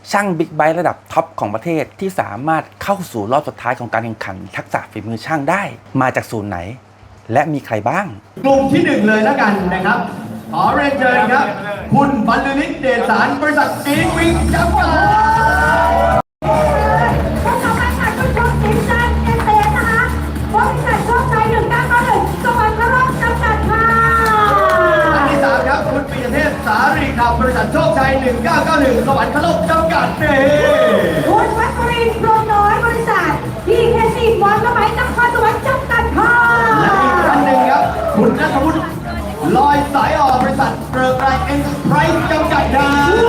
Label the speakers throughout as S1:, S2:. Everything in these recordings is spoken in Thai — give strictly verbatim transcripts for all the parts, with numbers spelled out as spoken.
S1: ช่างบิ๊กไบค์ระดับท็อปของประเทศที่สามารถเข้าสู่รอบสุดท้ายของการแข่งขันทักษะฝีมือช่างได้มาจากศูนย์ไหนและมีใครบ้าง
S2: กลุ่มที่หนึ่งเลยแล้วกันนะครับขอเรียนเชิญครับคุณบรรลือฤทธิ์เดชสารบริษัทอีทวิงจำกัดสารีขับบริษัทโชคชัยหนึ่งเก้าเก้าหนึ่งสวรรคโลกจำกัดเน่
S3: คุณวัชรินทร์พรหมน้อยบริษัทพีเคซีวอนสมัยนครสวรรค์จำกัดค่ะ
S2: และอีกท่านหนึ่งครับคุณณัฐวุฒิลอยสายออกบริษัทเกริกไกรเอ็นเตอร์ไพรส์จำกัดค่ะ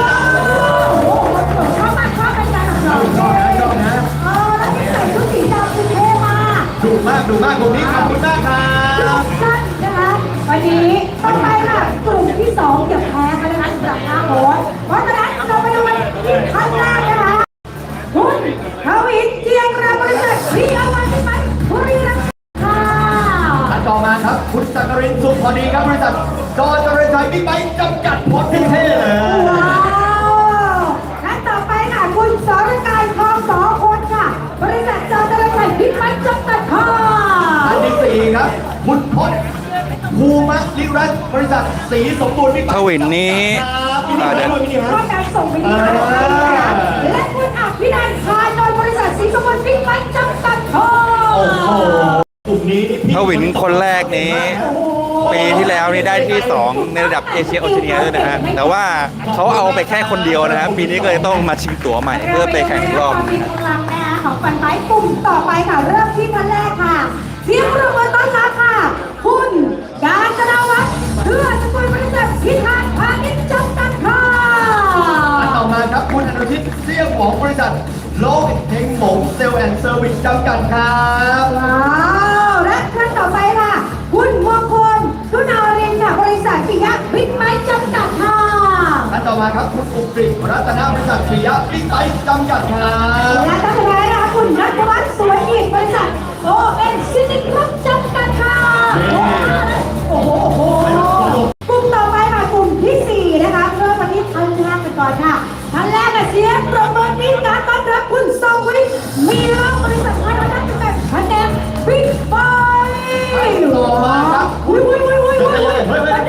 S3: ชอบมากชอบเป็นการของเรา
S2: ชอบนะชอบนะ
S3: เออแล้วที่ใส่ชุดสีดำคือเท่มาก
S2: ดูมากดูมากกลุ่มนี้ขอบคุณมากครับ
S3: สั้นนะคะวันนี้ต่อไปค่ะกลุ่มที่สองอย่าแพ้กันนะคะสำหรับหน้าโบ๊ทเพราะฉะนั้นเราไปดูกันที่ขั้นแรกนะคะคุณทวินเจียงราบริษัทพีอาร์วันที่ไปบุรีรัมย์ค่ะ
S2: ต่อมาครับคุณสักรินสุขพอดีครับบริษัทจอเจริญชัยบิ๊กไบค์จำกัดพอดเท่เลย
S3: ว้าวและต่อไปค่ะคุณสรการทองสอคนค่ะบริษัทจอเจริญชัยบิ๊กไบค์จำกัดค่ะ
S2: อันที่สี่ครับคุณพจน์ภูมิลิรัตน์บริษัทสีสมบูรณ์บิ๊กไบค์
S1: ทวินนี้
S3: ก็การส่งไปที่และคุณอภินันท์พานนท์บริษัทสีสมบูรณ์บิ๊กไบค์จำกัดค่ะ
S2: โอ้โหกลุ่มนี้
S1: ทวินคนแรกนี้ปีที่แล้วนี่ได้ที่สองในระดับเอเชียโอเชียเนียด้วยนะฮะแต่ว่าเขาเอาไปแค่คนเดียวนะครับปีนี้ก็เลยต้องมาชิงตั๋วใหม่เพื่อไปแข่งรอบ
S3: มีกำลังนะคะของฟันไม้กลุ่มต่อไปค่ะเริ่มที่ท่านแรกค่ะเสียงปรบมือต้อนรับค่ะคุณกาญจนาวัฒน์เพื่อสกุลบริษัทพิธานพาณิชย์จำกัดค่ะ
S2: ต่อมาครับคุณอนุชิตเสี่ยงของบริษัทโลกเฮงหมงเซลล์แอนด์เซอร์วิสจำกัดครับ
S3: ว้าวและท่านต่อไปค่ะคุณมงคลคุณอารินค่ะบริษัทปิยะบิ๊กไบค์จำกัดค่ะ
S2: ท่านต่อมาครับคุณอุกฤษรัตนบริษัทปิยะบิ๊กไบค์จำกัดครับ
S3: และท่านสุดท้ายนะคะคุณนัทวัฒน์สวยอีกบริษัทโอเอ็นซิตี้คลับจำกัดค่ะโอ้โหโอ้โหกลุ่มต่อไปค่ะกลุ่มที่สี่นะคะเริ่มวันนี้ท่านแรกกันก่อนค่ะท่านแรกเสียงปรบมือที่การต้อนรับคุณทรงวิทย์มีรับบริษัทไทยวัฒนธรรมคะแนนบิ๊กไบค์
S2: ต่อมาครับ
S3: อุ้ยอุ้ยอุ้ยอุ้ยอุ้ยอุ้ย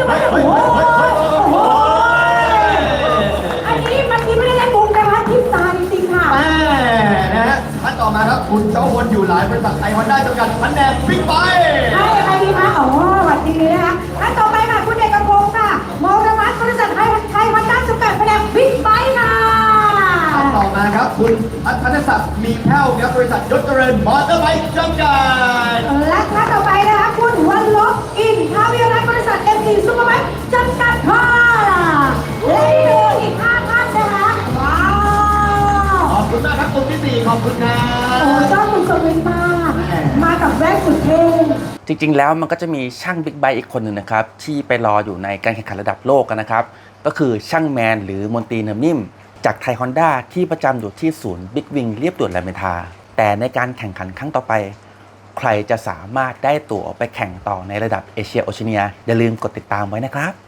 S3: อุ้ยอันนี้มันที่ไม่ได้เล่นมุกนะคะทิพตาจริงๆค่ะ
S2: แม่นะฮะท่านต่อมาครับคุณเจ้าวนอยู่หลายบริษัทไทยฮอนด้าจำกัดคะแนนบิ๊กไบค์
S3: ใช่ใครดีคะอ๋อสวัสดีนะคะท่านต่อไปค่ะคุณเอกพงศ์ค่ะมอรมัสบริษัทไทยไทยฮอนด้าจำกัดคะแนนบิ๊กไบค์ค่ะ
S2: ต่อมาครับคุณอัธนศักดิ์มีแพ้วครับบริษัทยศเจริญมอเตอร์ไบค์จำกัด
S3: และท่านต่อไปนะคะคุณวันลบอินทาวิรัตบริษัทเอ็มซีซูเปอร์ไบค์จำกัดค่ะและอีกห้าท่านนะคะว้าว
S2: ขอบคุณมากครับกลุ่มที่สี่ขอบคุณครับ
S3: โอ้ชอบคุณสวินมากมากับแรกสุดเท่
S1: จริงๆแล้วมันก็จะมีช่างบิ๊กไบค์อีกคนหนึ่งนะครับที่ไปรออยู่ในการแข่งขันระดับโลกกันนะครับก็คือช่างแมนหรือมนตรีเนิมนิ่มจากไทยฮอนด้าที่ประจำอยู่ที่ศูนย์บิ๊กวิงเรียบด่วนรามอินทราแต่ในการแข่งขันครั้งต่อไปใครจะสามารถได้ตั๋วไปแข่งต่อในระดับเอเชียโอเชียเนียอย่าลืมกดติดตามไว้นะครับ